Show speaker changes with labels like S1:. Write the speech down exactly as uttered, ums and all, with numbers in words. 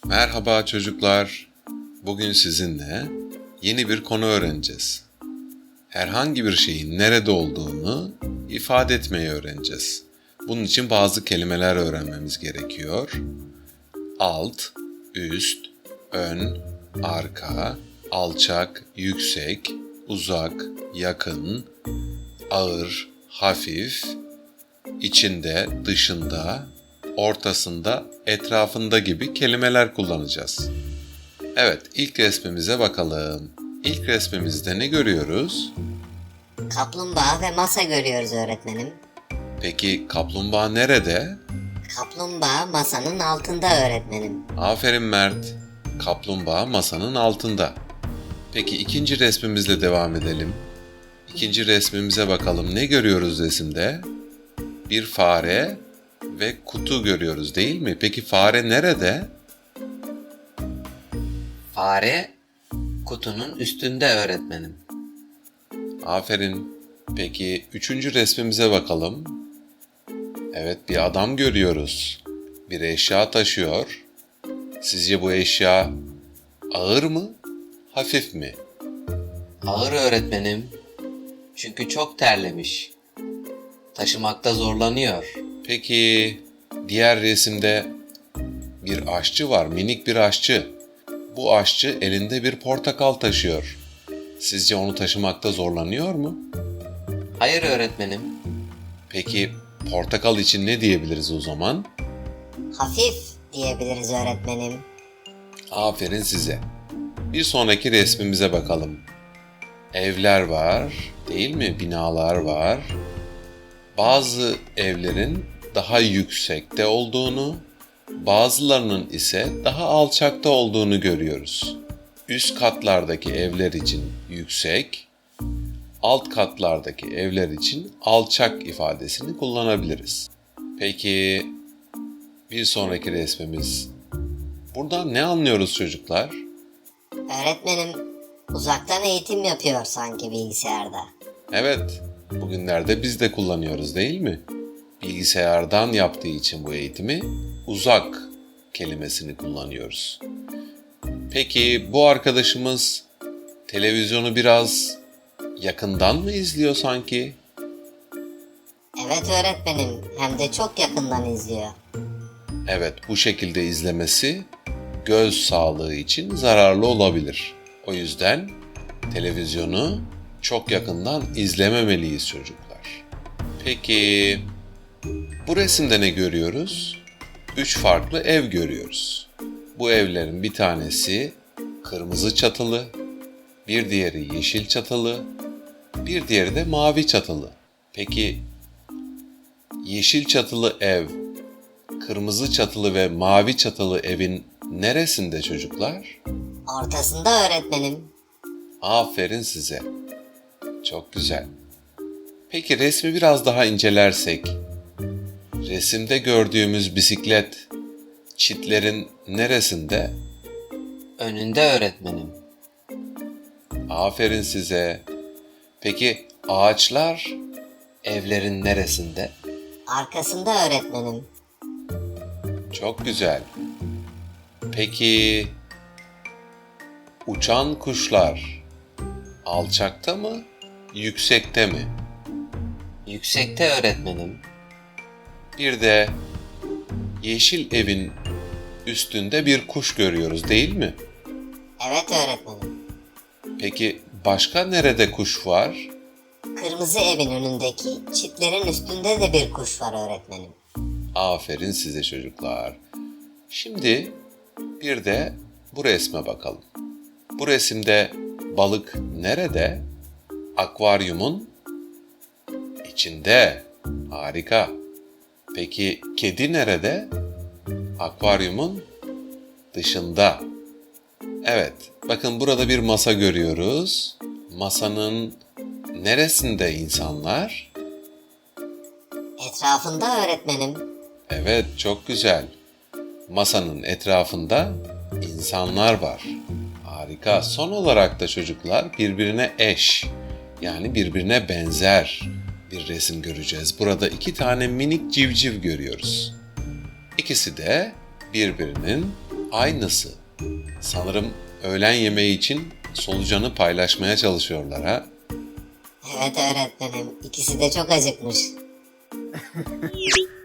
S1: Merhaba çocuklar. Bugün sizinle yeni bir konu öğreneceğiz. Herhangi bir şeyin nerede olduğunu ifade etmeyi öğreneceğiz. Bunun için bazı kelimeler öğrenmemiz gerekiyor. Alt, üst, ön, arka, alçak, yüksek, uzak, yakın, ağır, hafif, içinde, dışında, ortasında, etrafında gibi kelimeler kullanacağız. Evet, ilk resmimize bakalım. İlk resmimizde ne görüyoruz?
S2: Kaplumbağa ve masa görüyoruz öğretmenim.
S1: Peki kaplumbağa nerede?
S2: Kaplumbağa masanın altında öğretmenim.
S1: Aferin Mert. Kaplumbağa masanın altında. Peki ikinci resmimizle devam edelim. İkinci resmimize bakalım. Ne görüyoruz resimde? Bir fare ve kutu görüyoruz değil mi? Peki fare nerede?
S3: Fare kutunun üstünde öğretmenim.
S1: Aferin. Peki üçüncü resmimize bakalım. Evet, bir adam görüyoruz. Bir eşya taşıyor. Sizce bu eşya ağır mı, hafif mi?
S3: Ağır öğretmenim. Çünkü çok terlemiş. Taşımakta zorlanıyor.
S1: Peki diğer resimde bir aşçı var, minik bir aşçı. Bu aşçı elinde bir portakal taşıyor. Sizce onu taşımakta zorlanıyor mu?
S3: Hayır öğretmenim.
S1: Peki portakal için ne diyebiliriz o zaman?
S2: Hafif diyebiliriz öğretmenim.
S1: Aferin size. Bir sonraki resmimize bakalım. Evler var, değil mi? Binalar var. Bazı evlerin daha yüksekte olduğunu, bazılarının ise daha alçakta olduğunu görüyoruz. Üst katlardaki evler için yüksek, alt katlardaki evler için alçak ifadesini kullanabiliriz. Peki bir sonraki resmimiz. Buradan ne anlıyoruz çocuklar?
S2: Öğretmenim uzaktan eğitim yapıyor sanki bilgisayarda.
S1: Evet, bugünlerde biz de kullanıyoruz değil mi? Bilgisayardan yaptığı için bu eğitimi uzak kelimesini kullanıyoruz. Peki bu arkadaşımız televizyonu biraz yakından mı izliyor sanki?
S2: Evet öğretmenim, hem de çok yakından izliyor.
S1: Evet, bu şekilde izlemesi göz sağlığı için zararlı olabilir. O yüzden televizyonu çok yakından izlememeliyiz çocuklar. Peki bu resimde ne görüyoruz? Üç farklı ev görüyoruz. Bu evlerin bir tanesi kırmızı çatılı, bir diğeri yeşil çatılı, bir diğeri de mavi çatılı. Peki yeşil çatılı ev, kırmızı çatılı ve mavi çatılı evin neresinde çocuklar?
S2: Ortasında öğretmenim.
S1: Aferin size. Çok güzel. Peki resmi biraz daha incelersek, resimde gördüğümüz bisiklet çitlerin neresinde?
S3: Önünde öğretmenim.
S1: Aferin size. Peki ağaçlar evlerin neresinde?
S2: Arkasında öğretmenim.
S1: Çok güzel. Peki uçan kuşlar alçakta mı, yüksekte mi?
S3: Yüksekte öğretmenim.
S1: Bir de yeşil evin üstünde bir kuş görüyoruz değil mi?
S2: Evet öğretmenim.
S1: Peki başka nerede kuş var?
S2: Kırmızı evin önündeki çitlerin üstünde de bir kuş var öğretmenim.
S1: Aferin size çocuklar. Şimdi bir de bu resme bakalım. Bu resimde balık nerede? Akvaryumun içinde. Harika. Peki kedi nerede? Akvaryumun dışında. Evet, bakın burada bir masa görüyoruz. Masanın neresinde insanlar?
S2: Etrafında öğretmenim.
S1: Evet, çok güzel. Masanın etrafında insanlar var. Harika. Son olarak da çocuklar birbirine eş, yani birbirine benzer bir resim göreceğiz. Burada iki tane minik civciv görüyoruz. İkisi de birbirinin Aynısı. Sanırım öğlen yemeği için solucanı paylaşmaya çalışıyorlar ha?
S2: Evet öğretmenim, ikisi de çok acıkmış.